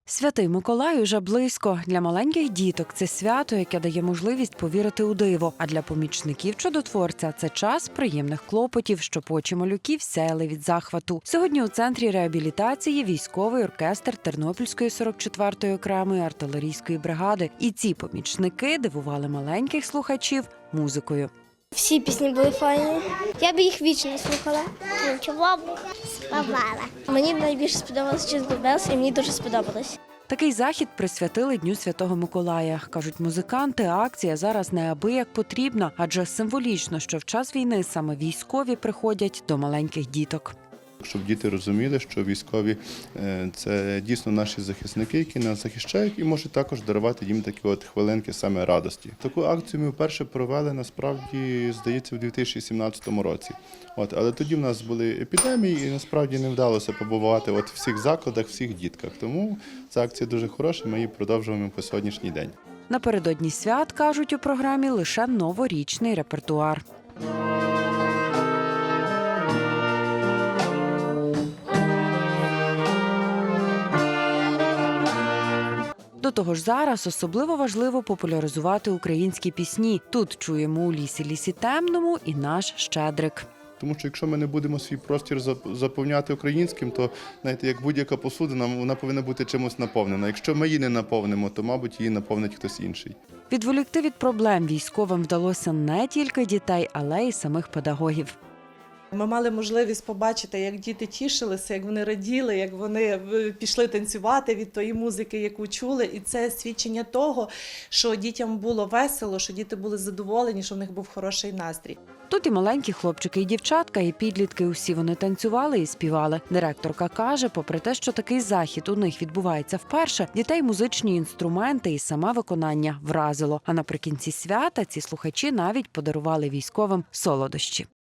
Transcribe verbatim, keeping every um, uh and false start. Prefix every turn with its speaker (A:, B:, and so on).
A: Святий Миколай уже близько. Для маленьких діток це свято, яке дає можливість повірити у диво. А для помічників чудотворця це час приємних клопотів, щоб очі малюків сяяли від захвату. Сьогодні у центрі реабілітації військовий оркестр Тернопільської сорок четвертої окремої артилерійської бригади. І ці помічники дивували маленьких слухачів музикою.
B: Всі пісні були файні. Я би їх вічно слухала.
C: Чого б співала.
B: Мені найбільше сподобалось Jingle Bells, і мені дуже сподобалось.
A: Такий захід присвятили Дню Святого Миколая. Кажуть музиканти, акція зараз неабияк потрібна, адже символічно, що в час війни саме військові приходять до маленьких діток.
D: Щоб діти розуміли, що військові – це дійсно наші захисники, які нас захищають, і можуть також дарувати їм такі от хвилинки саме радості. Таку акцію ми вперше провели, насправді, здається, в дві тисячі сімнадцятому році. От, але тоді в нас були епідемії, і насправді не вдалося побувати от в всіх закладах, всіх дітках. Тому ця акція дуже хороша, ми її продовжуємо по сьогоднішній день.
A: Напередодні свят, кажуть у програмі, лише новорічний репертуар. До того ж зараз особливо важливо популяризувати українські пісні. Тут чуємо у лісі лісі темному і наш Щедрик.
D: Тому що якщо ми не будемо свій простір заповняти українським, то, знаєте, як будь-яка посудина, вона повинна бути чимось наповнена. Якщо ми її не наповнимо, то, мабуть, її наповнить хтось інший.
A: Відволікти від проблем військовим вдалося не тільки дітей, але й самих педагогів.
E: Ми мали можливість побачити, як діти тішилися, як вони раділи, як вони пішли танцювати від тої музики, яку чули. І це свідчення того, що дітям було весело, що діти були задоволені, що в них був хороший настрій.
A: Тут і маленькі хлопчики, і дівчатка, і підлітки. Усі вони танцювали і співали. Директорка каже, попри те, що такий захід у них відбувається вперше, дітей музичні інструменти і саме виконання вразило. А наприкінці свята ці слухачі навіть подарували військовим солодощі.